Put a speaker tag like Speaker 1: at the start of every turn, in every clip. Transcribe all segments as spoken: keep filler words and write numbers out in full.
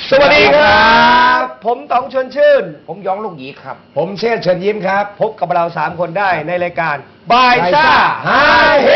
Speaker 1: สวัสดีครับผมต๋องชวนชื่น
Speaker 2: ผมยองลูกหยีครับ
Speaker 1: ผมเชษฐ์เชิญยิ้มครับพบกับเราสามคนได้ในรายการบายซ่าฮาเฮ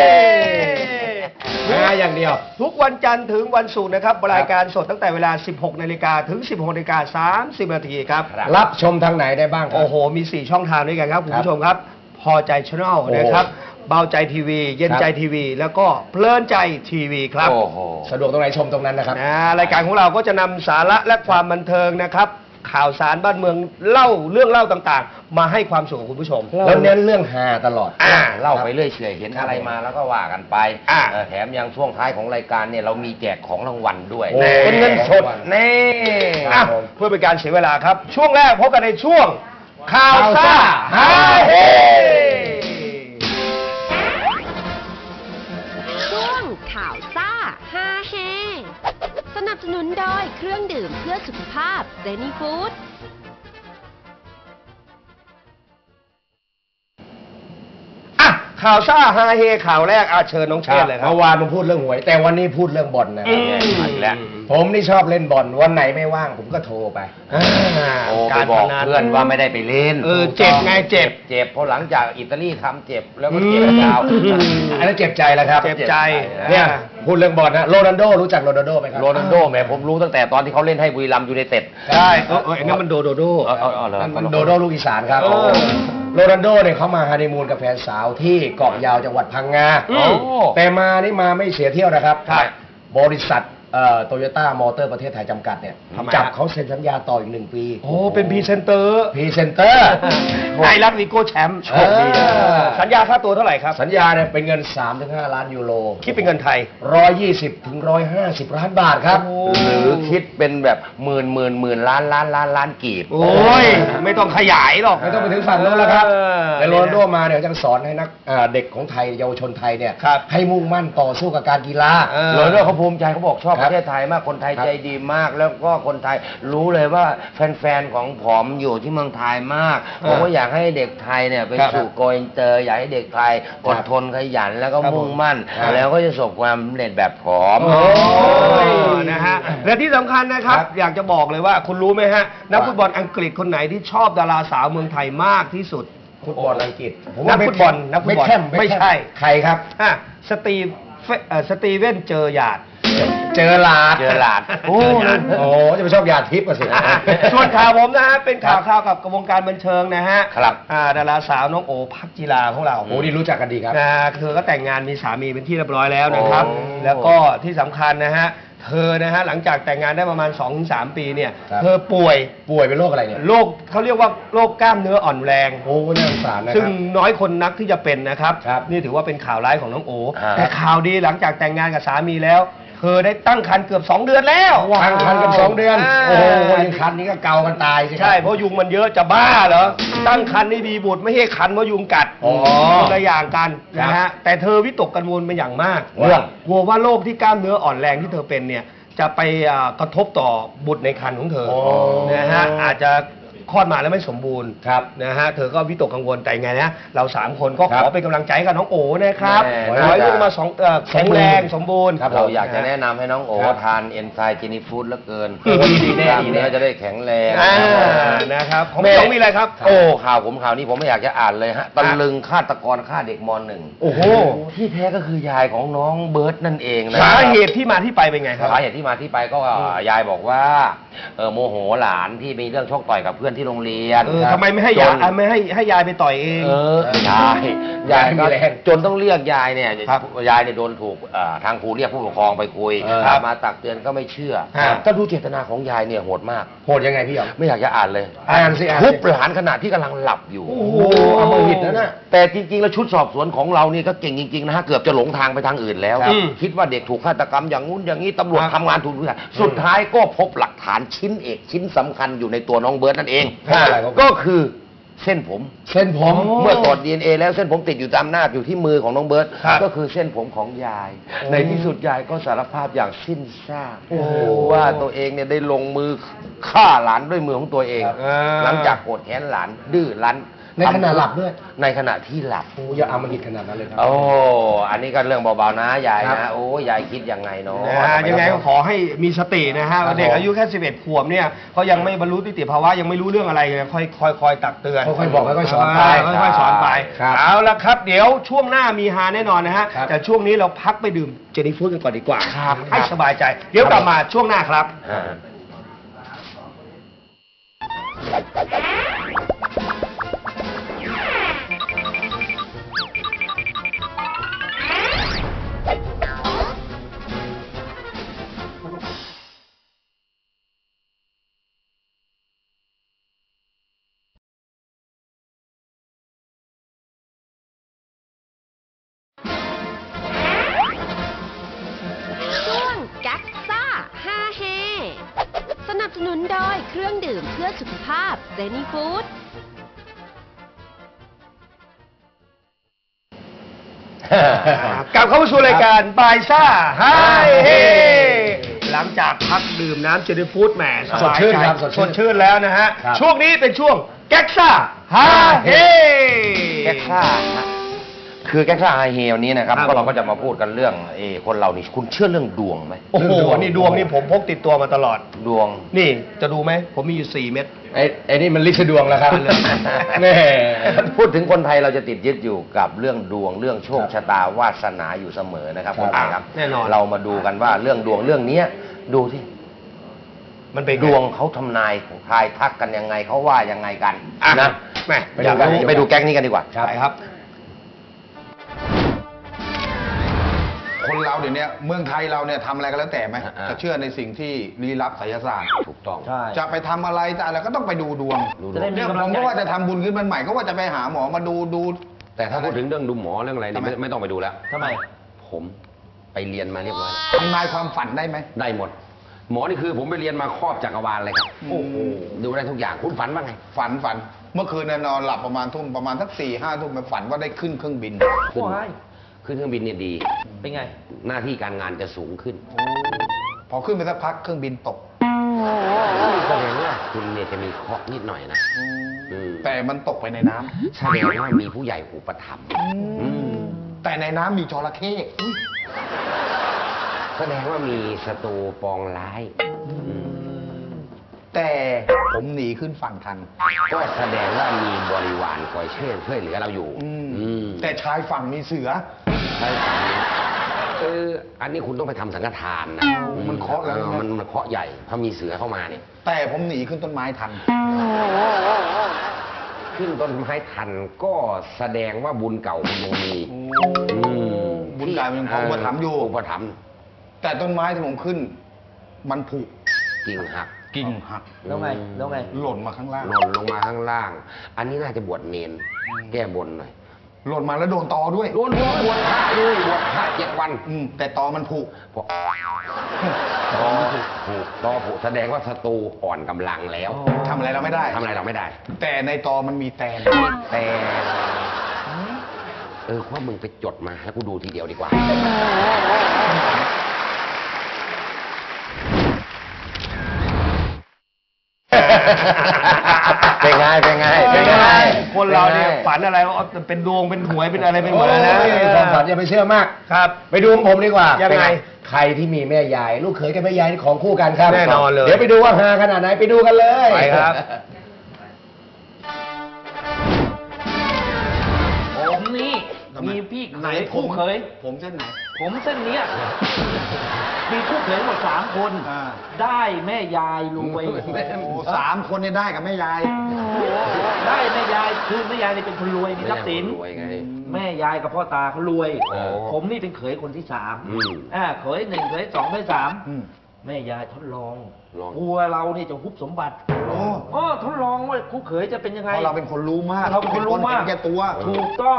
Speaker 1: ฮาอย่างเดียวทุกวันจันทร์ถึงวันศุกร์นะครับรายการสดตั้งแต่เวลา สิบหกนาฬิกา ถึง สิบหกนาฬิกาสามสิบนาทีครับรับชมทางไหนได้บ้างโอ้โหมีสี่ช่องทางด้วยกันครับคุณผู้ชมครับพอใจชาแนลนะครับเบาใจทีวีเย็นใจทีวีแล้วก็เพลินใจทีวีครับสะดวกตรงไหนชมตรงนั้นนะครับรายการของเราก็จะนำสาระและความบันเทิงนะครับข่าวสารบ้านเมืองเล่าเรื่องเล่าต่างๆมาให้ความสุขกับคุณผู้ชมแล้วเน้นเรื่องฮาตลอด
Speaker 2: เล่าไปเรื่อยเฉยเห็นอะไรมาแล้วก็ว่ากันไปแถมยังช่วงท้ายของรายการเนี่ยเรามีแจกของรางวัลด้วยเป็นเงินสด
Speaker 1: แน่เพื่อเป็นการเสียเวลาครับช่วงแรกพบกันในช่วงข่าวซ่าฮาเฮ
Speaker 3: ช่วงข่าวซ่าฮาเฮสนับสนุนโดยเครื่องดื่มเพื่อสุขภาพเซนีฟู้ด
Speaker 1: ข่าวซ่าฮาเฮข่าวแรกอาเชิญน้องเชษเลยครับเมื่อวานผมพูดเรื่องหวยแต่วันนี้พูดเรื่องบอลนะแล้วผมนี่ชอบเล่นบอลวันไหนไม่ว่างผมก็โทรไป
Speaker 2: โอ้ไปบอกเพื่อนว่าไม่ได้ไปเล่น
Speaker 1: เออเจ็บไงเจ็บ
Speaker 2: เจ็บเพราะหลังจากอิตาลีทำเจ็บแล้วก็เจ็บยาว
Speaker 1: อันนั้นเจ็บใจแล้วครับเจ็บใจเนี่ยพูดเรื่องบอลนะโรนัลโดรู้จักโรนัลโดไหมครับ
Speaker 2: โรนัลโดแหมผมรู้ตั้งแต่ตอนที่เขาเล่นให้บุรีรัมย์ยูไนเต็ด
Speaker 1: ใช่เออเออนั่นมันโดโดโดมันโดโดลูกอีสานครับโรนัลโดเนี่ยเขามาฮันนีมูนกับแฟนสาวที่เกาะยาวจังหวัดพังงาแต่มานี่มาไม่เสียเที่ยวนะครับบริษัทโตโยต้ามอเตอร์ประเทศไทยจำกัดเนี่ยจับเขาเซ็นสัญญาต่ออีกหนึ่งปีโอ้เป็นพรีเซนเตอร์พรีเซนเตอร์ไทยรัฐวีโก้แชมป์โชคดีสัญญาค่าตัวเท่าไหร่ครับสัญญาเนี่ยเป็นเงิน สามถึงห้า ล้านยูโรคิดเป็นเงินไทยหนึ่งร้อยยี่สิบถึงหนึ่งร้อยห้าสิบล้านบาทครับ
Speaker 2: หรือคิดเป็นแบบหมื่นหมื่นหมื่นล้านล้านล้านล้านกีบ
Speaker 1: โอ้ยไม่ต้องขยายหรอกไม่ต้องไปถึงฝั่งโน้นแล้วครับแต่โรนัลโดมาเนี่ยจะสอนให้นักเด็กของไทยเยาวชนไทยเนี่ยให้มุ่งมั่นต่อสู้กับการกีฬา
Speaker 2: โรนัลโดเขาภูมิใจเขาบอกชอบประเทศไทยมากคนไทยใจดีมากแล้วก็คนไทยรู้เลยว่าแฟนๆของผมอยู่ที่เมืองไทยมากผมก็อยากให้เด็กไทยเนี่ยไปสู่โกอินเตอร์อยากให้เด็กไทยอดทนขยันแล้วก็มุ่งมั่นแล้วก็จะประสบความสำเร็จแบบผม
Speaker 1: นะฮะและที่สำคัญนะครับอยากจะบอกเลยว่าคุณรู้ไหมฮะนักฟุตบอลอังกฤษคนไหนที่ชอบดาราสาวเมืองไทยมากที่สุดฟุตบอลอังกฤษนักฟุตบอลนักฟุตบอลไม่ใช่ใครครับสตีสตีเวนเจอหยาดเจอหลาด
Speaker 2: เจอหลาด
Speaker 1: โอ้โหจะไปชอบยาทิพย์สิส่วนข่าวผมนะฮะเป็นข่าวข่าวกับวงการบันเทิงนะฮะ
Speaker 2: ครับ
Speaker 1: ดาราสาวน้องโอภักจิราของเราโอ้นี่รู้จักกันดีครับเธอก็แต่งงานมีสามีเป็นที่เรียบร้อยแล้วนะครับแล้วก็ที่สำคัญนะฮะเธอนะฮะหลังจากแต่งงานได้ประมาณ สองถึงสาม ปีเนี่ยเธอป่วยป่วยเป็นโรคอะไรเนี่ยโรคเขาเรียกว่าโรคกล้ามเนื้ออ่อนแรงโอ้น่าสงสารนะครับซึ่งน้อยคนนักที่จะเป็นนะครับนี่ถือว่าเป็นข่าวร้ายของน้องโอแต่ข่าวดีหลังจากแต่งงานกับสามีแล้วเธอได้ตั้งครรภ์เกือบสองเดือนแล้วตั้งครรภ์เกือบสองเดือนโอ้โหยังครรภ์นี้ก็เกากันตายใช่เพราะยุงมันเยอะจะบ้าเหรอตั้งครรภ์นี่มีบุตรไม่ใช่คันเพราะยุงกัดคนละอย่างกันนะฮะแต่เธอวิตกกังวลเป็นอย่างมากเรื่องกลัวว่าโรคที่กล้ามเนื้ออ่อนแรงที่เธอเป็นเนี่ยจะไปกระทบต่อบุตรในครรภ์ของเธอนะฮะอาจจะคลอดมาแล้วไม่สมบูรณ์นะฮะเธอก็วิตกกังวลแต่ไงนะเราสามคนก็ขอเป็นกำลังใจกับน้องโอนะครับขอให้ลูกมาสองแข็งแรงสมบูรณ์
Speaker 2: เราอยากจะแนะนำให้น้องโอทานเอนไซม์เจนิฟูดเหลือเกินดีแน่ดีแน่จะได้แข็งแรง
Speaker 1: นะครับของพี่ต้องมีอะไรครับ
Speaker 2: โอ้ข่าวผมข่าวนี้ผมไม่อยากจะอ่านเลยฮะตะลึงฆาตกรฆ่าเด็กม.หนึ่ง
Speaker 1: โอ้โห
Speaker 2: ที่แท้ก็คือยายของน้องเบิร์ตนั่นเองนะ
Speaker 1: สาเหตุที่มาที่ไปเป็นไงครับ
Speaker 2: สาเหตุที่มาที่ไปก็ยายบอกว่าเออโมโหหลานที่มีเรื่องชกต่อยกับเพื่อนที่โรงเรียน
Speaker 1: ทำไมไม่ให้ยายไม่ให้ให้ยายไปต่อยเอง
Speaker 2: เออยายยายก็จนต้องเรียกยายเนี่ยยายเนี่ยโดนถูกทางครูเรียกผู้ปกครองไปคุยมาตักเตือนก็ไม่เชื่อก็ดูเจตนาของยายเนี่ยโหดมาก
Speaker 1: โหดยังไงพี่อ๋อ
Speaker 2: ไม่อยากจะอ่านเลย
Speaker 1: อ่านสิอ่าน
Speaker 2: ทุบหลานขณะที่กำลังหลับอยู่
Speaker 1: โอ้โหอมหิตนะน่ะ
Speaker 2: แต่จริงๆแล้วชุดสอบสวนของเรานี่ก็เก่งจริงๆนะฮะเกือบจะหลงทางไปทางอื่นแล้วคิดว่าเด็กถูกฆาตกรรมอย่างงู้นอย่างนี้ตำรวจทำงานถูกทุกอย่างสุดท้ายก็พบหลักฐานชิ้นเอกชิ้นสำคัญอยู่ในตัวน้องเบิร์ตนั่นเองก็คือเส้นผม
Speaker 1: เส้นผม
Speaker 2: เมื่อตรวจ ดี เอ็น เอ แล้วเส้นผมติดอยู่ตามหน้าอยู่ที่มือของน้องเบิร์ตก็คือเส้นผมของยายในที่สุดยายก็สารภาพอย่างสิ้นซากว่าตัวเองเนี่ยได้ลงมือฆ่าหลานด้วยมือของตัวเองหลังจากโกรธแค้นหลานดื้อรั้น
Speaker 1: ในขณะหลับด้วย
Speaker 2: ในขณะที่หลับ
Speaker 1: โอ้อย่าเอามาหิดขนาดนั้นเลยครั
Speaker 2: โอ้อันนี้ก็เรื่องเบาๆนะยายนะโอ้ยายคิดยังไงเนาะ
Speaker 1: ยังไงก็ขอให้มีสตินะฮะเด็กอายุแค่สิบเอ็ดขวบเนี่ยเขายังไม่บรรลุนิติภาวะยังไม่รู้เรื่องอะไรค่อยค่อยค่อยตักเตือนค่อยๆบอกค่อยๆสอนไปค่อยๆสอนไปเอาละครับเดี๋ยวช่วงหน้ามีฮาแน่นอนนะฮะแต่ช่วงนี้เราพักไปดื่มเจนี่ฟู้ดกันก่อนดีกว่าให้สบายใจเดี๋ยวกลับมาช่วงหน้าครับ
Speaker 3: สนับสนุนโดยเครื่องดื่มเพื่อสุขภาพเซนีฟู้ด
Speaker 1: กลับเข้ามาสู่รายการบายซ่าไฮเฮหลังจากพักดื่มน้ำเจนี่ฟู้ดแหมสดชื่นครับสดชื่นแล้วนะฮะช่วงนี้เป็นช่วงแก๊กซ่าไฮเฮ
Speaker 2: แก๊กซ่าคือแก๊กซ่าไฮเฮลนี้นะครับก็เราก็จะมาพูดกันเรื่องเอคนเรานี่คุณเชื่อเรื่องดวงไหม
Speaker 1: โอ้โหนี่ดวงนี่ผมพกติดตัวมาตลอด
Speaker 2: ดวง
Speaker 1: นี่จะดูไหมผมมีอยู่สี่เม็ด
Speaker 2: ไอ้ไอ้นี่มันลิขดวงแล้วครับแน่พูดถึงคนไทยเราจะติดยึดอยู่กับเรื่องดวงเรื่องโชคชะตาวาสนาอยู่เสมอนะครับคนไทยครับ
Speaker 1: แน่นอน
Speaker 2: เรามาดูกันว่าเรื่องดวงเรื่องนี้ดูที่
Speaker 1: มันเป็น
Speaker 2: ดวงเขาทำนายทายทักกันยังไงเขาว่ายังไงกันนะ
Speaker 1: แม่
Speaker 2: อยากไปดูแก๊กนี้กันดีกว่า
Speaker 1: ใช่ครับ
Speaker 4: คนเราเดี๋ยวนี้เมืองไทยเราเนี่ยทำอะไรก็แล้วแต่ไหมจะเชื่อในสิ่งที่ลี้ลับไสยศาสตร์
Speaker 2: ถูกต้อง
Speaker 4: จะไปทำอะไรแต่อะไรก็ต้องไปดูดวงเนี่ยผมก็ว่าจะทำบุญขึ้นมันใหม่ก็ว่าจะไปหาหมอมาดูดู
Speaker 2: แต่ถ้าพูดถึงเรื่องดูหมอเรื่องอะไรนี่ไม่ต้องไปดูแล้ว
Speaker 1: ทำไม
Speaker 2: ผมไปเรียนมาเรียบร้อย
Speaker 4: ทำนายความฝันได้ไหม
Speaker 2: ได้หมดหมอนี่คือผมไปเรียนมาครอบจักรวาลเลยครับโอ้โหดูได้ทุกอย่างคุณฝันว่าไง
Speaker 4: ฝันฝันเมื่อคืนนอนหลับประมาณทุ่มประมาณสักสี่ห้าทุ่มไปฝันว่าได้ขึ้นเครื่องบิน
Speaker 2: ขึ้นขึ้นเครื่องบินเนี่ยดี
Speaker 1: เป็นไง
Speaker 2: หน้าที่การงานจะสูงขึ้น
Speaker 4: พอขึ้นไปสักพักเครื่องบินตก
Speaker 2: แสดงว่าคุณเนี่ยจะมีเคราะห์นิดหน่อยนะ
Speaker 4: แต่มันตกไปในน้
Speaker 2: ำแสดงว่ามีผู้ใหญ่อุปถัมภ์
Speaker 4: แต่ในน้ำมีจระเข้
Speaker 2: แสดงว่ามีศัตรูปองร้าย
Speaker 4: แต่ผมหนีขึ้นฝั่งทัน
Speaker 2: ก็แสดงว่ามีบริวารคอยช่วยช่วยเหลือเราอยู่
Speaker 4: แต่ชายฝั่งมีเสือ
Speaker 2: ชายฝั่งเอออันนี้คุณต้องไปทำสังฆทานนะ
Speaker 4: มันเคาะแล้ว
Speaker 2: มันมันเคาะใหญ่ถ้ามีเสือเข้ามาเนี่ย
Speaker 4: แต่ผมหนีขึ้นต้นไม้ทัน
Speaker 2: ขึ้นต้นไม้ทันก็แสดงว่าบุญเก่ามันยังมี
Speaker 4: บุญเก่ามันยังอุปถัมภ์อยู่
Speaker 2: อุปถัมภ์
Speaker 4: แต่ต้นไม้ที่ผมขึ้นมันผุ
Speaker 2: กิ่งหัก
Speaker 4: กิ่งหัก
Speaker 1: แล้วไงแล้วไง
Speaker 4: หล่นมาข้างล่าง
Speaker 2: หล่นลงมาข้างล่างอันนี้น่าจะบวชเนนแก้บนหน่อย
Speaker 4: หล่นมาแล้วโดนตอด้วย
Speaker 2: โดนบวชบวชพระเลยบวชพระเจ็ดวัน
Speaker 4: แต่ตอมันผุ
Speaker 2: ตอผุผุตอผุแสดงว่าศัตรูอ่อนกำลังแล้ว
Speaker 4: ทำอะไรเราไม่ได้
Speaker 2: ทำอะไรเราไม่ได้
Speaker 4: แต่ในตอมันมีแตน
Speaker 2: แต่เออว่ามึงไปจดมาให้กูดูทีเดียวดีกว่าเป็นไงเป็นไงเป็นไง
Speaker 1: คนเราเนี่ยฝันอะไรว่าเป็นดวงเป็นหวยเป็นอะไรเป็นหมดนะ
Speaker 2: ความฝันอย่าไปเชื่อมาก
Speaker 1: ครับ
Speaker 2: ไปดูของผมดีกว่า
Speaker 1: ยังไง
Speaker 2: ใครที่มีแม่ยายลูกเขยกับแม่ยายนี่ของคู่กันครับ
Speaker 1: แน่นอนเลย
Speaker 2: เดี๋ยวไปดูว่าฮาขนาดไหนไปดูกันเลย
Speaker 1: ไปครับ
Speaker 5: ผมนี่มีพี่ไหนคู่เคย
Speaker 4: ผมเส้นไหน
Speaker 5: ผมเส้นเนี้ยมีคู่เขยหมดสามคนได้แม่ยายรวย
Speaker 4: สามคนนี่ได้กับแม่ยาย
Speaker 5: ได้แม่ยายคือแม่ยายนี่เป็นคนรวยมีทรัพย์สินแม่ยายกับพ่อตาเขารวยผมนี่เป็นเขยคนที่สามอ่าเขยหนึ่งเขยสองเขยสามแม่ยายทดลองกลัวเราเนี่ยจะฮุบสมบัติอ๋อทดลองว่าคู่เขยจะเป็นยังไง
Speaker 4: เราเป็นคนรู้มาก
Speaker 5: เราเป็นคนรู้มาก
Speaker 4: แก่ตัว
Speaker 5: ถูกต้อง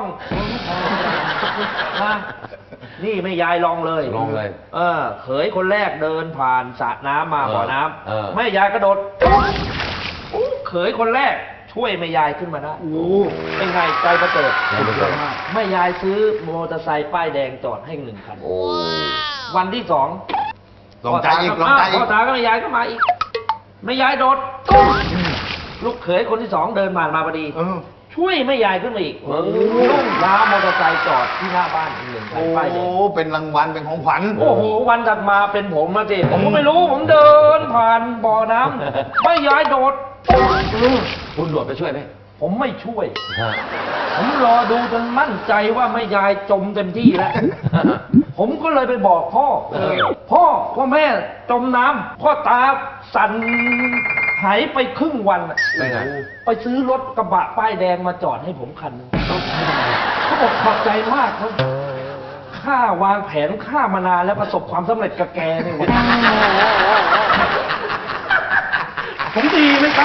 Speaker 5: นะนี่แม่ยายลองเลย
Speaker 2: ลองเลย
Speaker 5: เออเขยคนแรกเดินผ่านสระน้ำมาบ่อน้ำแม่ยายกระโดดเขยคนแรกช่วยแม่ยายขึ้นมาได้เป็นไงใจประเสริฐแม่ยายซื้อมอเตอร์ไซค์ป้ายแดงจอดให้หนึ่งคันวันที่สอง
Speaker 4: ลงใจอีกลงใจอีก
Speaker 5: พ่อตาก็แม่ยายก็มาอีกแม่ยายโดดตุ้มลูกเขยคนที่สองเดินผ่านมาพอดีชช่วยแม่ยายขึ้นมาอีกรุ่งเช้ามอเตอร์ไซค์จอดที่หน้าบ้านหนึ่งคัน
Speaker 4: โอ้
Speaker 5: ป้ายแดง
Speaker 4: เป็นรางวัลเป็นของขวัญ
Speaker 5: โอ้โหวันถัดมาเป็นผมมาสิผมก็ไม่รู้ผมเดินผ่านบ่อน้ำแม่ยายโดด
Speaker 2: คุณโดดไปช่วยไหม
Speaker 5: ผมไม่ช่วย ผมรอดูจนมั่นใจว่าแม่ยายจมเต็มที่แล้ว ผมก็เลยไปบอกพ่อ พ่อว่าแม่จมน้ำพ่อตาสั่นหายไปครึ่งวันอะ
Speaker 2: ไปไหน
Speaker 5: ไปซื้อรถกระบะป้ายแดงมาจอดให้ผมคันหนึงเขาบอกขอบใจมากครับข้าวางแผนข้ามานานแล้วประสบความสำเร็จกับแกในวันนี้ผมดีไหมครับ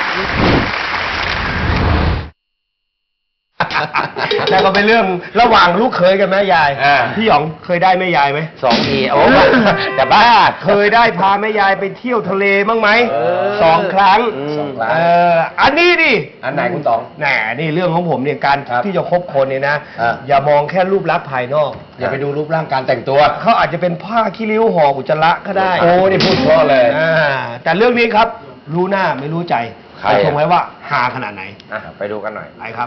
Speaker 1: แล้วก็เป็นเรื่องระหว่างลูกเขยกับแม่ยาย
Speaker 2: อ่า
Speaker 1: พี่หยองเคยได้แม่ยายไหม
Speaker 2: สองทีโอ้แต่บ้า
Speaker 1: เคยได้พาแม่ยายไปเที่ยวทะเลบ้างไหม
Speaker 2: เออ
Speaker 1: สองครั้ง
Speaker 2: อืมสองครั้ง
Speaker 1: เอออันนี้ดิ
Speaker 2: อันไหนคุณต๋อง
Speaker 1: แหน่นี่เรื่องของผมเนี่ยการ
Speaker 2: ครับ
Speaker 1: ที่จะคบคนเนี่ยนะ
Speaker 2: อ่า
Speaker 1: อย่ามองแค่รูปลักษณ์ภายนอก
Speaker 2: อย่าไปดูรูปร่างการแต่งตัว
Speaker 1: เขาอาจจะเป็นผ้าขี้ริ้วห่ออุจจาระก็ได้
Speaker 2: โอ้นี่พูดเพราะเลย
Speaker 1: อ่าแต่เรื่องนี้ครับ รู้หน้าไม่รู้ใจ
Speaker 2: ใคร
Speaker 1: ไป
Speaker 2: อ่ะ
Speaker 1: ชมไว้ว่าหาขนาดไหน
Speaker 2: อ่ะไปดูกันหน่อย
Speaker 1: ไปครับ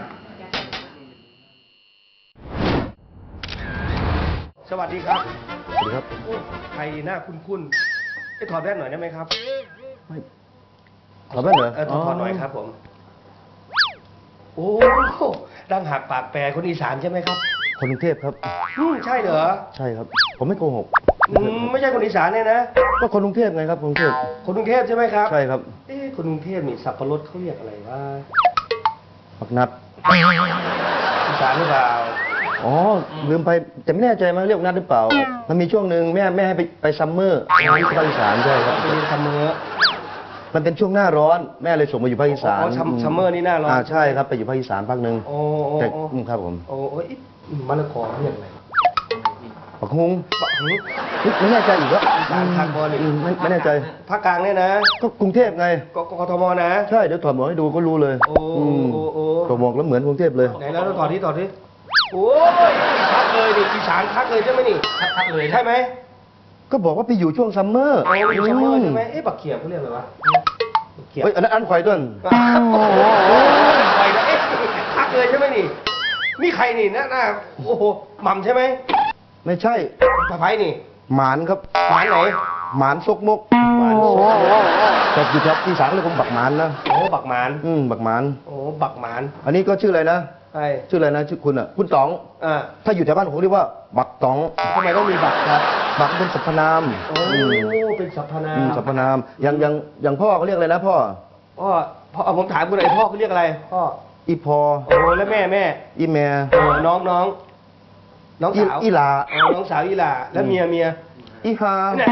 Speaker 1: สวัสดีครับ
Speaker 6: สวัสดีครับ
Speaker 1: โอ้ใครหน้าคุ้นๆไปถอดแว่นหน่อยได้ไหมครับ
Speaker 6: ขอแว่นเหรอ
Speaker 1: เออถอดถอดหน่อยครับผม โอ้ดังหักปากแปรคนอีสานใช่ไหมครับ
Speaker 6: คนกรุงเทพครับ
Speaker 1: อืมใช่เหรอ
Speaker 6: ใช่ครับ ผมไม่โกหก
Speaker 1: อืมไม่ใช่คนอีสานเนี่ยนะ
Speaker 6: ก็คนกรุงเทพไงครับคนกรุงเทพ
Speaker 1: คนกรุงเทพใช่ไหมครับ
Speaker 6: ใช่ครับ
Speaker 1: เอ๊ะคนกรุงเทพนี่สับปะรดเขาเรียกอะไรวะ
Speaker 6: ปักนัด
Speaker 1: อีสานหรือเปล่า
Speaker 6: อ๋อ ลืมไปแต่ไม่แน่ใจมั้งเรียกนัดหรือเปล่า มันมีช่วงหนึ่งแม่แม่ให้ไปไปซัมเมอร์ที่ภาคอีสานใช่ครับ
Speaker 1: ไปเรียนซัมเมอร์
Speaker 6: มันเป็นช่วงหน้าร้อน แม่เลยส่งมาอยู่ภาคอีสาน
Speaker 1: อ๋อซัมซัมเมอร์นี่หน้าร้อน
Speaker 6: อ่าใช่ครับไปอยู่ภาคอีสานภาคหนึ่ง
Speaker 1: โอ้โอ้
Speaker 6: แต่
Speaker 1: โอ้
Speaker 6: อืมครับผม
Speaker 1: โอ้โอ้ยมะละกอเรียกอะไร
Speaker 6: ปักฮุง
Speaker 1: ปะหึ
Speaker 6: ไม่แน่ใจอีกว่า
Speaker 1: อีสานภาคบอลนี่
Speaker 6: ไม่ไม่แน่ใจ
Speaker 1: ภาคกลางเนี่ยนะ
Speaker 6: ก็กรุงเทพไง
Speaker 1: กกทมนะ
Speaker 6: ใช่เดี๋ยวถอดหมวกให้ดูก็รู้เลย
Speaker 1: โอ้
Speaker 6: ม
Speaker 1: โอ้โอ้
Speaker 6: ถอดหมวกแล้วเหมือนกรุงเทพเลย
Speaker 1: ไหนแล้วถอดที่ถอดที่โอ้ยชัดเลยดิอีสานชัดเลยใช่ไหมนี่ชัดเลยใช่ไหม
Speaker 6: ก็บอกว่าไปอยู่ช่วงซัมเมอร์
Speaker 1: โอ้ยซัมเมอร์ใช่ไหมเอ๊ะบักเขียบเขาเรียกอะไรวะบักเขียบ
Speaker 6: เฮ้ยอันนั้นอันควายต้น
Speaker 1: โอ้โหไปนะเอ๊ะชัดเลยใช่ไหมนี่นี่ใครนี่หน้าหน้าโอ้โหหม่ำใช่ไหม
Speaker 6: ไม่ใช่
Speaker 1: สะพ้ายนี่
Speaker 6: หมานครับ
Speaker 1: หวานไหน
Speaker 6: หมานซกมก
Speaker 1: หวานโอ้
Speaker 6: แต่อยู่แถวอีสานเลยผมบักหมานนะ
Speaker 1: โหบักหมาน
Speaker 6: อืมบักหมาน
Speaker 1: โอ้บักหมาน
Speaker 6: อันนี้ก็ชื่ออะไรนะ
Speaker 1: ใช่
Speaker 6: ชื่ออะไรนะชื่อคุณอ่ะ คุณต๋อง
Speaker 1: อ่า
Speaker 6: ถ้าอยู่แถวบ้านผมเรียกว่า บักต๋อง
Speaker 1: ทำไมต้องมีบักครับ
Speaker 6: บักเป็นสรรพนาม
Speaker 1: โอ้
Speaker 6: อืม
Speaker 1: เป็นสรรพนา
Speaker 6: อืม
Speaker 1: ม
Speaker 6: สรรพนามอย่างอย่างอย่างพ่อเขาเรียกอะไรนะพ่อ
Speaker 1: พ่อพ่อเอาผมถามคุณหน่อยพ่อเขาเรียกอะไรพ่อ
Speaker 6: อีพอ
Speaker 1: โอ้แล้วแม่แม่
Speaker 6: อีแม่
Speaker 1: เออน้องน้องน้องสาว
Speaker 6: อีหลา
Speaker 1: เออน้องสาวอีหลาแล้วเมียเมีย
Speaker 6: อีฮา
Speaker 1: เนี่ย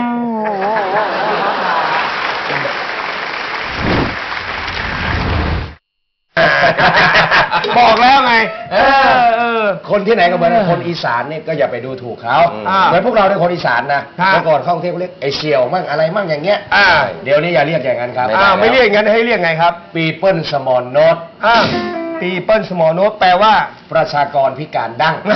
Speaker 1: บอกแล้วไง เออเออ
Speaker 2: คนที่ไหนก็เหมือนกันคนอีสานเนี่ยก็อย่าไปดูถูกเขา
Speaker 1: อ่า
Speaker 2: เหมือนพวกเราเนี่ยคนอีสานนะครับ เมื่อก่อนเข้ากรุงเทพเขาเรียกไอเสี่ยวมั่งอะไรมั่งอย่างเงี้ย
Speaker 1: อ่า
Speaker 2: เดี๋ยวนี้อย่าเรียกอย่างนั้นครับ
Speaker 1: อ่าไม่เรียกอย่างนั้นให้เรียกไงครับ
Speaker 2: ปีเปิลสมอลโนต
Speaker 1: อ่าปีเปิลสมอลโนตแปลว่า
Speaker 2: ประชากรพิการดั้ง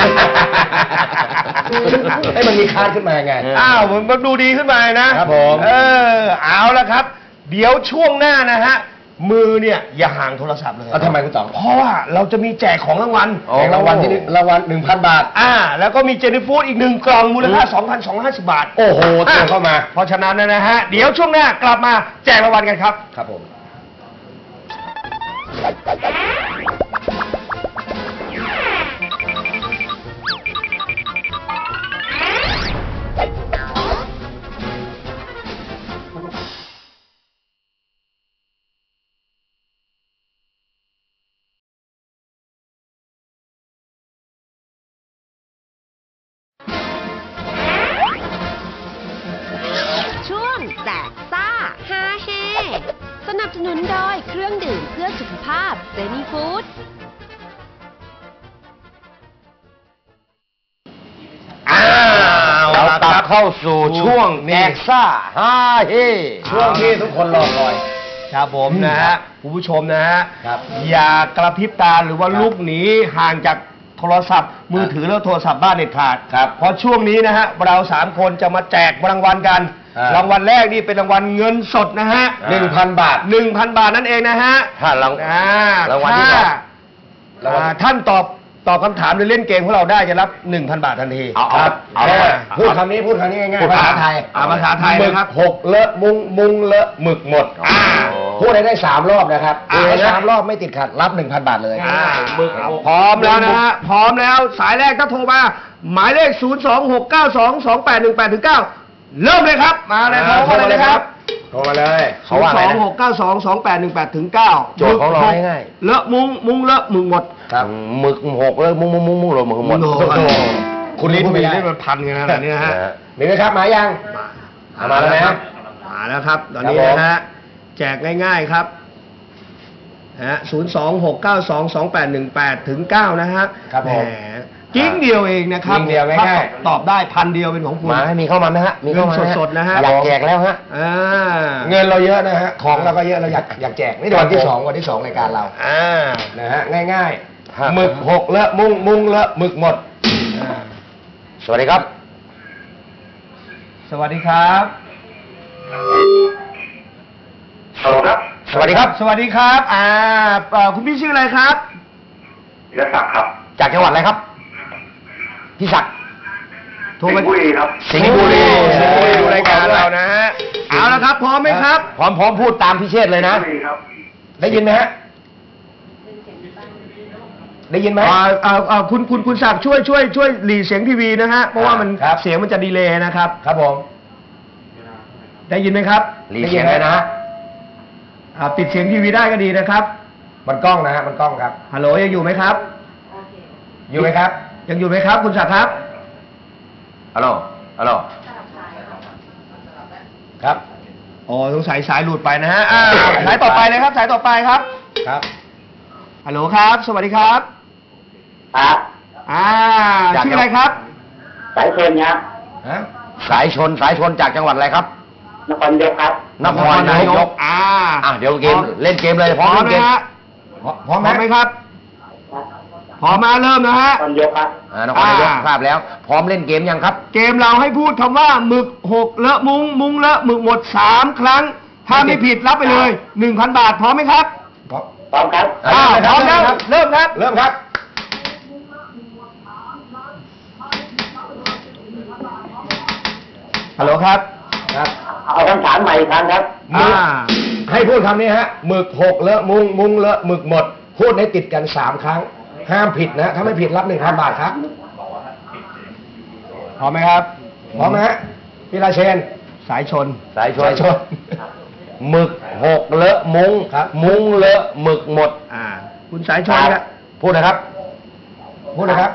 Speaker 2: ให้มันมีคาดขึ้นมาไง
Speaker 1: อ้าวมันดูดีขึ้นมานะครับ
Speaker 2: ผม
Speaker 1: เออเอาละครับ เดี๋ยวช่วงหน้านะฮะมือเนี่ยอย่าห่างโทรศัพท์เลย
Speaker 2: แล้วทำไมคุณต๋อง
Speaker 1: เพราะว่าเราจะมีแจกของรางวัล
Speaker 2: แจกรางวัลที่หนึ่งรางวัลหนึ่งพันบาท
Speaker 1: อ่าแล้วก็มีเจนี่ฟู้ดอีกหนึ่งกล่องมูลค่า สองพันสองร้อยห้าสิบบาท
Speaker 2: โอ้โหเตรียมเข้ามา
Speaker 1: เพราะฉะนั้นนะฮะเดี๋ยวช่วงหน้ากลับมาแจกรางวัลกันครับ
Speaker 2: ครับผม
Speaker 3: ช่วงแจกซ่าฮาเฮสนับสนุนโดยเครื่องดื่มเพื่อสุขภาพเซนีฟู้ด
Speaker 1: อ้าว
Speaker 2: เรากลับเข้าสู่ช่วงแจ
Speaker 1: นี่
Speaker 2: กซ่าฮ่าเฮช่วงที่ทุกคนรอคอย
Speaker 1: ครับผมนะฮะคุณผู้ชมนะฮะ
Speaker 2: ครับ
Speaker 1: อย่ากระพริบตาหรือว่า
Speaker 2: ครับ
Speaker 1: ลุกหนีห่างจากโทรศัพท์ มือถือแล้วโทรศัพท์บ้านเด็ดขาด
Speaker 2: ครับ
Speaker 1: เพราะช่วงนี้นะฮะเราสามคนจะมาแจกรางวัลกัน
Speaker 2: อ่าร
Speaker 1: างวัลแรกนี่เป็นรางวัลเงินสดนะฮะ
Speaker 2: หนึ่งพันบาท
Speaker 1: หนึ่งพันบาทนั่นเองนะฮะ
Speaker 2: ถ้าราง
Speaker 1: อ่
Speaker 2: รางวัลที่สอง
Speaker 1: ถ้อ่าท่านตอบตอบคำถามหรือเล่นเกมของเราได้จะรับ หนึ่งพัน บาททันที
Speaker 2: เอาเอา
Speaker 1: ครับ
Speaker 2: เอา
Speaker 1: แค่
Speaker 2: พูดคำนี้พูดคำนี้ง่าย
Speaker 1: พูด
Speaker 2: ๆภาษาไทย
Speaker 1: อ่าภาษาไทยนะครับ
Speaker 2: หกเลอะมุงมุงเลอะหมึกหมด
Speaker 1: อ่า
Speaker 2: พูดได้ได้สามรอบนะครับ
Speaker 1: อ่า
Speaker 2: พูดได้สามรอบไม่ติดขัดรับหนึ่งพันบาทเลย
Speaker 1: อ่า
Speaker 5: หมึก
Speaker 1: พร้อมแล้วนะฮะพร้อมแล้วสายแรกถ้าโทรมา หมายเลข ศูนย์ สอง หก เก้า สอง สอง แปด หนึ่ง แปด ถึง เก้า เริ่มเลยครับมาเลยโทรมาเลยนะครับ
Speaker 2: โทรมาเลย
Speaker 1: ศูนย์ สอง หก เก้า สอง สอง แปด หนึ่ง แปด ถึง เก้า
Speaker 2: โจทย์ของเราง่าย
Speaker 1: เลอะมุ้งมุ้งเลอะมึงหมด
Speaker 2: ครับหมึกหกเลยมุงมุงมุงมุงเลยหมึกหมด
Speaker 1: โอ้โห
Speaker 2: โอ้โห
Speaker 1: คุณลิ้น
Speaker 2: พูด
Speaker 1: มี
Speaker 2: ไม่ได้
Speaker 1: ได้มันพันกันขนาดนี้นะฮะ
Speaker 2: นะฮะมีไหมครับมายังเอามาแล้วนะ
Speaker 1: มาแล้วครับ ตอนนี้
Speaker 2: ครับผม
Speaker 1: นะฮะแจกง่ายๆครับฮะศูนย์ สอง หก เก้า สอง สอง แปด หนึ่ง แปด ถึง เก้า นะฮะ
Speaker 2: ครับผม
Speaker 1: แหกิ้งเดียวเองนะครับ
Speaker 2: กิ้งเดียวง่ายๆ
Speaker 1: ถ้ตอบได้พันเดียวเป็นของคุณ
Speaker 2: มาให้มีเข้ามาไหมฮะมีเข้ามาไหม
Speaker 1: เงินสดๆนะฮะ
Speaker 2: อยากแจกแล้วฮะ
Speaker 1: อ่า
Speaker 2: เงินเราเยอะนะฮะของเราก็เยอะเราอยากอยากแจกนี่วันที่สองวันที่สองรายการเรา
Speaker 1: อ่า
Speaker 2: นะฮะง่ายๆหมึกหกเลอะมุงมุงเลอะหมึกหมด
Speaker 1: อ่า
Speaker 2: สวัสดีครับ
Speaker 1: สวัสดีครับ
Speaker 7: ฮัลโหลครับ
Speaker 2: สวัสดีครับ
Speaker 1: สวัสดีครับอ่าเอ่อคุณพี่ชื่ออะไรครับ
Speaker 7: ธีรศักดิ์ครับ
Speaker 2: จากจังหวัดอะไรครับพี่ศักดิ์
Speaker 1: โทร
Speaker 7: สิง
Speaker 1: มา
Speaker 7: ห์บุรีครับ
Speaker 2: สิงห์บุรี
Speaker 1: สิงห์บุรีดูรายการเรานะฮะเอาละครับพร้อมไหมครับ
Speaker 2: พร้อมพร้อมพูดตามพี่เชษฐ์เลยนะ
Speaker 7: สิงห์บุรีครับ
Speaker 2: ได้ยินไหมฮะได้ยินไหม
Speaker 1: อ่าอ่าอ่าคุณคุณคุณศักดิ์ช่วยช่วยช่วยหลีเสียงทีวีนะฮะเพราะว่ามัน
Speaker 2: ครับ
Speaker 1: เสียงมันจะดีเลย์นะครับ
Speaker 2: ครับผม
Speaker 1: ได้ยินไหมครับ
Speaker 2: หลีเสียงเลยนะฮะ
Speaker 1: อ่าปิดเสียงทีวีได้ก็ดีนะครับ
Speaker 2: มันกล้องนะฮะมันกล้องครับ
Speaker 1: ฮัลโหลยังอยู่ไหมครับ
Speaker 2: อยู่ไหมครับ
Speaker 1: ยังอยู่ไหมครับ คุณศักดิ์ครับ
Speaker 2: ฮัลโหลฮัลโหลครับ
Speaker 1: อ๋อสงสัยสายหลุดไปนะฮะอ่าสายต่อไปเลยครับ สายต่อไปครับ
Speaker 2: ครับ
Speaker 1: ฮัลโหลครับ สวัสดีครับ
Speaker 7: ครับ
Speaker 1: อ่า
Speaker 2: จาก
Speaker 1: ชื่ออะไรครับ
Speaker 7: สายเชนครับ
Speaker 2: ฮะสายชนสายชนจากจังหวัดอะไรครับ
Speaker 7: นครยกครับ
Speaker 2: นครนายก
Speaker 1: อ่า
Speaker 2: อ่ะเดี๋ยวเกมเล่นเกมเลยพ
Speaker 1: พ
Speaker 2: ร้
Speaker 1: ร้
Speaker 2: อ
Speaker 1: อ
Speaker 2: ม
Speaker 1: ม
Speaker 2: เล่น
Speaker 1: นะ
Speaker 2: เกม
Speaker 1: ฮะ
Speaker 2: พร้อม
Speaker 1: พร้อมไหมครับพร้อมมาเริ่มนะฮะ
Speaker 7: นครยกครับ
Speaker 2: อ่านครนายก
Speaker 1: อ่า
Speaker 2: ทราบแล้ว พร้อมเล่นเกมยังครับ
Speaker 1: เกมเราให้พูดคำว่าหมึกหกเลอะมุ้งมุ้งเลอะหมึกหมดสามครั้ง ถ้าไม่ผิดรับไปเลยหนึ่งพันบาทพร้อมไหมครับ
Speaker 2: พร้อม
Speaker 7: พร้อมครับ
Speaker 1: อ้าวพร้อมแล้วเริ่มครับ
Speaker 2: เริ่มครับ
Speaker 1: ฮัลโหลครับ
Speaker 2: ครับ
Speaker 7: เอาคำถามใหม่อีกครั้งครับ
Speaker 2: มึก
Speaker 1: อ่า
Speaker 2: ให้พูดคำนี้ฮะหมึกหกเลอะมุงมุงเลอะหมึกหมด พูดให้ติดกันสามครั้ง ห้ามผิดนะ ถ้าไม่ผิดรับหนึ่งพันบาทครับ
Speaker 1: พร้อมไหมครับ
Speaker 2: พร้อมไหมฮะพี่ราเชน
Speaker 1: สายชน
Speaker 2: สายชนสายชนหมึกหกเลอะมุงครับ มุงเลอะหมึกหมด
Speaker 1: อ่า คุณสายชนครับ
Speaker 2: พูดนะครับ พูดนะครับ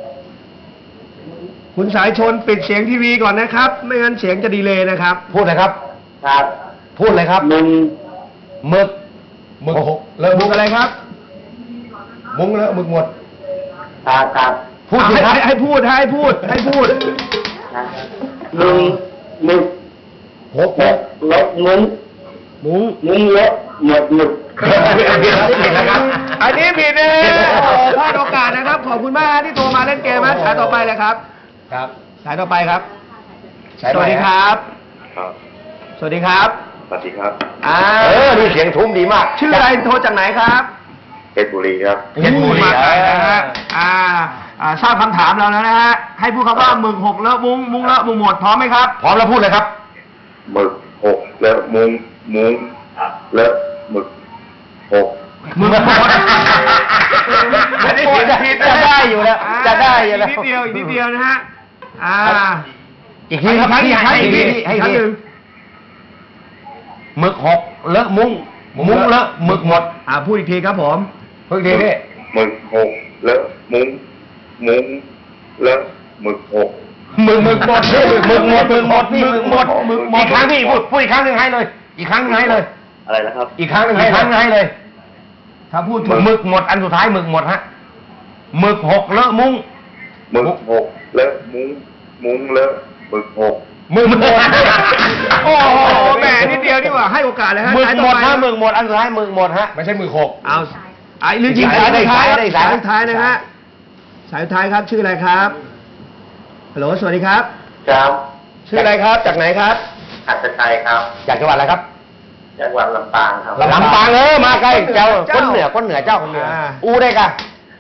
Speaker 1: คุณสายชนปิดเสียงทีวีก่อนนะครับ ไม่งั้นเสียงจะดีเลย์นะครับ
Speaker 2: พูดนะครับ
Speaker 7: ครับ
Speaker 2: พูดเลยครับ
Speaker 7: หนึ่ง
Speaker 2: หมึกหมึกหกเลอะ
Speaker 1: มุ
Speaker 2: มุ
Speaker 1: ก
Speaker 2: ง
Speaker 1: อะไรครับ
Speaker 2: มุงเลอะหมึกหมด
Speaker 7: ครับครับ
Speaker 2: พูดสิ
Speaker 1: ให้
Speaker 2: ครับ
Speaker 1: ให้ให้พูดให้พูดให้พูด
Speaker 7: หนึ่งหมึก
Speaker 2: หก
Speaker 7: ห
Speaker 2: ห
Speaker 7: ก
Speaker 2: ก
Speaker 7: ลบมุ้ง
Speaker 1: มุ้ง
Speaker 7: มุ้งเลอะหมดหมึก
Speaker 2: ผิดนะครับ
Speaker 1: อันนี้ผิดนะฮะโอ้พลาดโอกาสนะครับ ขอบคุณมากที่โทรมาเล่นเกมนะสายต่อไปเลยครับ
Speaker 2: ครับ
Speaker 1: สายต่อไปครับ
Speaker 2: สาย
Speaker 1: สวัสดี
Speaker 2: ไหน
Speaker 1: ค
Speaker 2: ฮะ
Speaker 1: รับ
Speaker 7: ครับ
Speaker 1: สวัสดีครับ
Speaker 7: สวัสดีครับ
Speaker 1: อ่า
Speaker 2: เออนี่เสียงทุ้มดีมาก
Speaker 1: ชื่ออะไรโทรจากไหนครับ
Speaker 7: เพชรบุรีครับ
Speaker 2: เพชรบุรี
Speaker 1: มาไกลนะฮะอ่าอ่าทราบคำถามแล้วนะฮะ ให้พูดคำว่าหมึกหกเลอะมุ้งมุ้งเลอะมุ้งหมดพร้อมไหมครับ
Speaker 2: พร้อมแล้วพูดเลยครับ
Speaker 7: หมึกหกเลอะมุ้งมุ้งเลอะหมึกหก
Speaker 1: มึงหมด
Speaker 2: อันนี้ผิดผิดจะได้อยู่แล้วจะได้อยู่แล้ว
Speaker 1: กนิดเดียวอีกนิดเดียวนะฮะ อ่า
Speaker 2: อีกทีครับ
Speaker 1: ให้อีกครั้ง
Speaker 2: ให้
Speaker 1: อี
Speaker 2: อี
Speaker 1: ก
Speaker 2: ก
Speaker 1: ที
Speaker 2: ที
Speaker 1: อี
Speaker 2: ให้
Speaker 1: ก
Speaker 2: อีก
Speaker 1: ครั้ง
Speaker 2: ที
Speaker 1: หนึ่ง
Speaker 2: หมึกหกเลอะมุ้งมุ้งเลอะหมึกหมด
Speaker 1: อ่าพูดอีกทีครับผม
Speaker 2: พูดอีกทีพี่
Speaker 7: หมึกหกเลอะมุ้งมุ้งเลอะหมึกหก
Speaker 2: หมึกหมึกหมดพี่หมึกหมดหมึกหมดพี่หมึกหมดหมึกหมดอีกครั้งพี่พูดพูดอีกครั้งหนึ่งให้เลย อีกครั้งหนึ่งให้เลย
Speaker 7: อะไรนะครับ
Speaker 2: อีกครั้งหนึ่งให้ครั้งหนึ่งให้เลย
Speaker 1: ถ้าพูด
Speaker 2: ห
Speaker 1: ถูก
Speaker 2: มึกหมดอันสุดท้ายหมึกหมดฮะหมึกหกเลอะมุ้ง
Speaker 7: หมึกหกเลอะมุ้งมุ้งเลอะหมึกหก
Speaker 2: หมึกหมด
Speaker 1: โอ้โหแหมนิดเดียวดีกว่าให้โอกาสเลยฮะ
Speaker 2: หมึก
Speaker 1: สาย
Speaker 2: ห
Speaker 1: ต่
Speaker 2: ม
Speaker 1: อ
Speaker 2: ด
Speaker 1: ไป
Speaker 2: ฮะหมึกหมดอันสุดท้ายหมึกหมดฮะไม่ใช่หมึกหก
Speaker 1: เอาไอ้หรือยิง
Speaker 2: สา
Speaker 1: สาย ย
Speaker 2: ได้
Speaker 1: สุดท้าย
Speaker 2: สายได้
Speaker 1: สาย
Speaker 2: สาย
Speaker 1: สุดท้ายนะฮะสายสุดท้ายครับชื่ออะไรครับฮัลโหลสวัสดีครับ
Speaker 7: ครับ
Speaker 1: ชื่ออะไรครับ จากไหนครับ
Speaker 7: อัศชัยครับ
Speaker 2: จากจังหวัดอะไรครับ
Speaker 7: จังหวัดลำปางครับ
Speaker 2: ลำปางเออมาไกลเจ้า
Speaker 1: เจ้า
Speaker 2: คนเหนือคนเหนือเจ้า
Speaker 1: คนเหนืออ่า
Speaker 2: อูได้กะ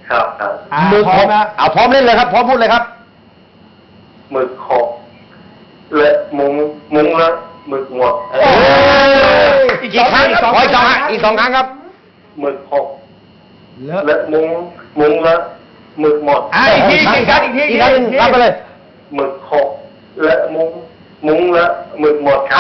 Speaker 7: ครับครับ
Speaker 1: อ่า
Speaker 2: หมึก
Speaker 1: พร้อ
Speaker 2: ห
Speaker 1: ม
Speaker 2: ก
Speaker 1: นะ
Speaker 2: เอาพร้อมเล่นเลยครับ พร้อมพูดเลยครับ
Speaker 7: หมึกหกและมุงมุงและหมึกหมด
Speaker 2: อีกครั้งขออีกสองครั้งอีกสองครั้งครับ
Speaker 7: หมึกหก
Speaker 1: เลอะ
Speaker 7: และมุงมุงและหมึกหมด
Speaker 1: อ่ะอีกทีอีกครั้งอีกที
Speaker 2: อีกครั้งหนึ่งรับไปเลย
Speaker 7: หมึกหกและมุงมุงและหมึกหมดครับ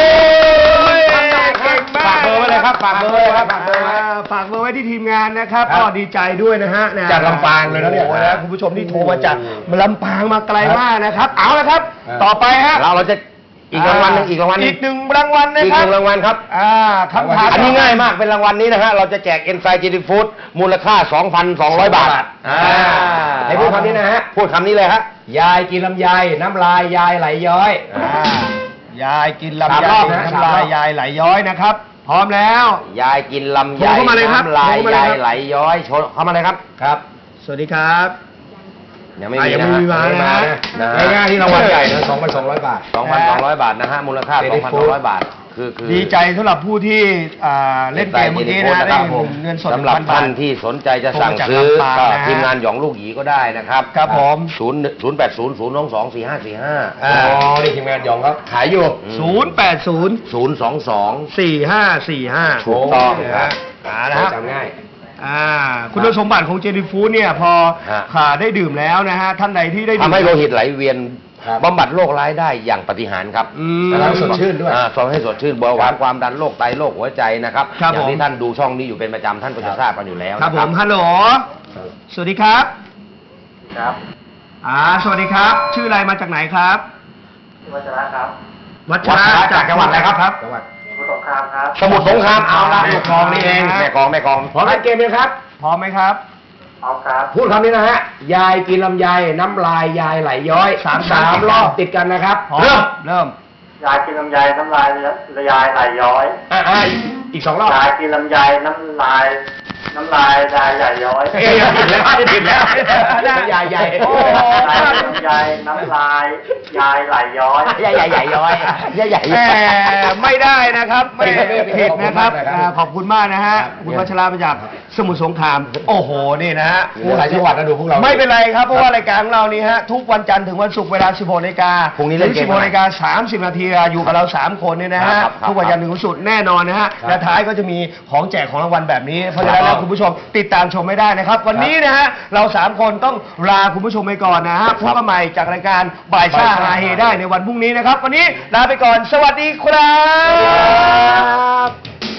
Speaker 1: เก่งมาก
Speaker 2: ฝากเบอร์ไว้เลยครับฝากเบอร์ไว้เลยครับฝากเบอร์ไว้
Speaker 1: อ่าฝากเบอร์ไว้ที่ทีมงานนะครับ
Speaker 2: ครับ
Speaker 1: ก็ดีใจด้วยนะฮะะ
Speaker 2: จากลำปางเลยนะเนี่ย
Speaker 1: โอ้โหคุณผู้ชมที่โทรมาจากลำปางมาไกลมากนะครับ เอาละครับ ต่อไปฮะ
Speaker 2: เราเราจะอีกรางวัลหนึงอีกรางวัลหนึ
Speaker 1: อี
Speaker 2: ง
Speaker 1: กหนึ่งรางวัลนะ
Speaker 2: อีก
Speaker 1: ค
Speaker 2: ห
Speaker 1: รับ
Speaker 2: นึ่งรางวัลครับ
Speaker 1: อ่าคำถาม
Speaker 2: อันนี้ง่ายมากเป็นรางวัลนี้นะฮะเราจะแจกเอนไซม์เจนิฟูดมูลค่า สองพันสองร้อย บาทอ่าให้พูดคำนี้นะฮะพูดคำนี้เลยฮะยายกินลำไยน้ำลายยายไหลย้อย
Speaker 1: อ่ายายกินลำ
Speaker 2: สาม
Speaker 1: ไย
Speaker 2: รอบนะ
Speaker 1: น้ำลายยายไหลย้อยนะครับ พร้อมแล้ว
Speaker 2: ยายกินลำไย
Speaker 1: โทรเข้ามาเลยครับ
Speaker 2: น้ำลาย
Speaker 1: โทรเข้ามาเลย
Speaker 2: ยาย
Speaker 1: ครับ
Speaker 2: ไหลย้อยโชว์เข้ามาเลยครับครับ
Speaker 1: สวัสดีครับ
Speaker 2: ยังไม่
Speaker 1: อ่ะ
Speaker 2: มี
Speaker 1: ยัง
Speaker 2: นะ
Speaker 1: ไม่
Speaker 2: ฮะ
Speaker 1: มีมานะ
Speaker 2: นะฮะ
Speaker 6: ง่ายๆที่รางวัลใหญ่นะสองพันสองร้อยบาท
Speaker 2: สองพันสองร้อยบาทนะฮะมูลค่า
Speaker 6: เจ
Speaker 2: ส
Speaker 6: นิ
Speaker 2: องพัน
Speaker 6: ฟู
Speaker 2: สอง
Speaker 6: ด
Speaker 2: ร้อยบาทคือคือ
Speaker 1: ดีใจสำหรับผู้ที่อ่าเล่นเกมเมื่อกี้นะได้เงินสด
Speaker 2: สำหรับ
Speaker 1: หนึ่งพันบา
Speaker 2: ท่า
Speaker 1: ท
Speaker 2: นที่สนใจจะสั่งซื้อ
Speaker 1: โทรมาจากลำปาง
Speaker 2: ก็
Speaker 1: นะฮะ
Speaker 2: ทีมงานหยองลูกหยีก็ได้นะครับ
Speaker 1: ครับผม
Speaker 2: ศูนย์ศูนย์แปดศูนย์ศูนย์สองสองสี่ห้าสี่ห้า
Speaker 1: อ่า
Speaker 6: อ๋อ นี่ทีมงานหยองครับขายอยู่
Speaker 1: ศูนย์แปดศูนย์
Speaker 2: ศูนย์สองสอง
Speaker 1: สี่ห้าสี่ห้า
Speaker 2: ถูกต้อง
Speaker 1: นะ
Speaker 2: ครั
Speaker 1: ฮะ
Speaker 2: บ
Speaker 1: อ่านะฮะ
Speaker 6: จำง่าย
Speaker 1: อ่าคุณสมบัติของเจนี่ฟู้ดเนี่ยพอ
Speaker 2: ฮะ
Speaker 1: ขาได้ดื่มแล้วนะฮะท่านใดที่ได้ดื่ม
Speaker 2: ทำให้โลหิตไหลเวียน
Speaker 6: ครับ
Speaker 2: บำบัดโรคร้ายได้อย่างปาฏิหาริย์ครับ
Speaker 1: อืม
Speaker 6: แล้วสดชื่นด้วย
Speaker 2: อ่าทำให้สดชื่นเบาหวานความดันโรคไตโรคหัวใจนะครับ
Speaker 1: ครับ
Speaker 2: อย่าง
Speaker 1: ผม
Speaker 2: ที่ท่านดูช่องนี้อยู่เป็นประจำท่านก็จะทราบกันอยู่แล้ว
Speaker 1: ครับ
Speaker 2: นะ
Speaker 1: ผมฮัลโหลสวัสดีครับ
Speaker 7: ครับ
Speaker 1: อ่าสวัสดีครับ ชื่ออะไรมาจากไหนครับ
Speaker 7: วัชระครับ
Speaker 1: วัช
Speaker 2: วั
Speaker 1: ระ
Speaker 2: ดจากจังหวัดอะไรครับ
Speaker 6: จังหวัด
Speaker 7: สมุทรสงครามครับ
Speaker 2: สมุทรสงครามเอาละลูกคลองนี่เองแม่คลองแม่คลองพร้อมเล่นเกมไหมครับ
Speaker 1: พร้อมไหมครับ
Speaker 7: เอาครับ
Speaker 2: พูดคำนี้นะฮะ ยายกินลำไยน้ำลายยายไหลย้อยสามสามรอบติดกันนะครับ
Speaker 1: พร้อม
Speaker 2: เริ่ม
Speaker 1: เริ่ม
Speaker 7: ยายกินลำไยน้ำลายละยายไหลย้อย
Speaker 2: อ่าอ่าอีกสองรอบ
Speaker 7: ยายกินลำไยน้ำลาย น้ำลายยายใหญ่ย้อย
Speaker 2: เอ้ยผิดแล้วผิดแล้วยายใหญ่
Speaker 1: โอ้
Speaker 7: ยายกินลำไยน้ำลายยายไหลย้อย
Speaker 2: ยายใหญ่ใหญ่ย้อยยายใหญ่
Speaker 1: แหมไม่ได้นะครับไม่
Speaker 2: ผิด
Speaker 1: ผิดนะครับ
Speaker 2: ขอบคุณมากนะครับ
Speaker 1: อ่าขอบคุณมากนะฮะคุณวัชระมาจากสมุทรสงคราม โอ้โหนี่นะฮะ
Speaker 6: มีหลายจังหวัดนะดูพวกเรา
Speaker 1: ไม่เป็นไรครับเพราะว่ารายการของเรานี่ฮะทุกวันจันทร์ถึงวันศุกร์เวลา สิบหกนาฬิกา
Speaker 2: พรุ่งนี้เล่นเกม
Speaker 1: สิบหกนาฬิกาสามสิบนาทีอยู่กับเราสามคนเนี่ยนะฮะ
Speaker 2: ครับครับ
Speaker 1: ทุกวันจันทร์ถึงวันศุกร์แน่นอนนะฮะและท้ายก็จะมีของแจกของรางวัลแบบนี้เพราะฉะนั้นแล้วคุณผู้ชมติดตามชมไม่ได้นะครับ วันนี้นะฮะเราสามคนต้องลาคุณผู้ชมไปก่อนนะฮะพบกันใหม่จากรายการบ่ายซ่าฮาเฮได้ในวันพรุ่งนี้นะครับ วันนี้ลาไปก่อนสวัสดีครับ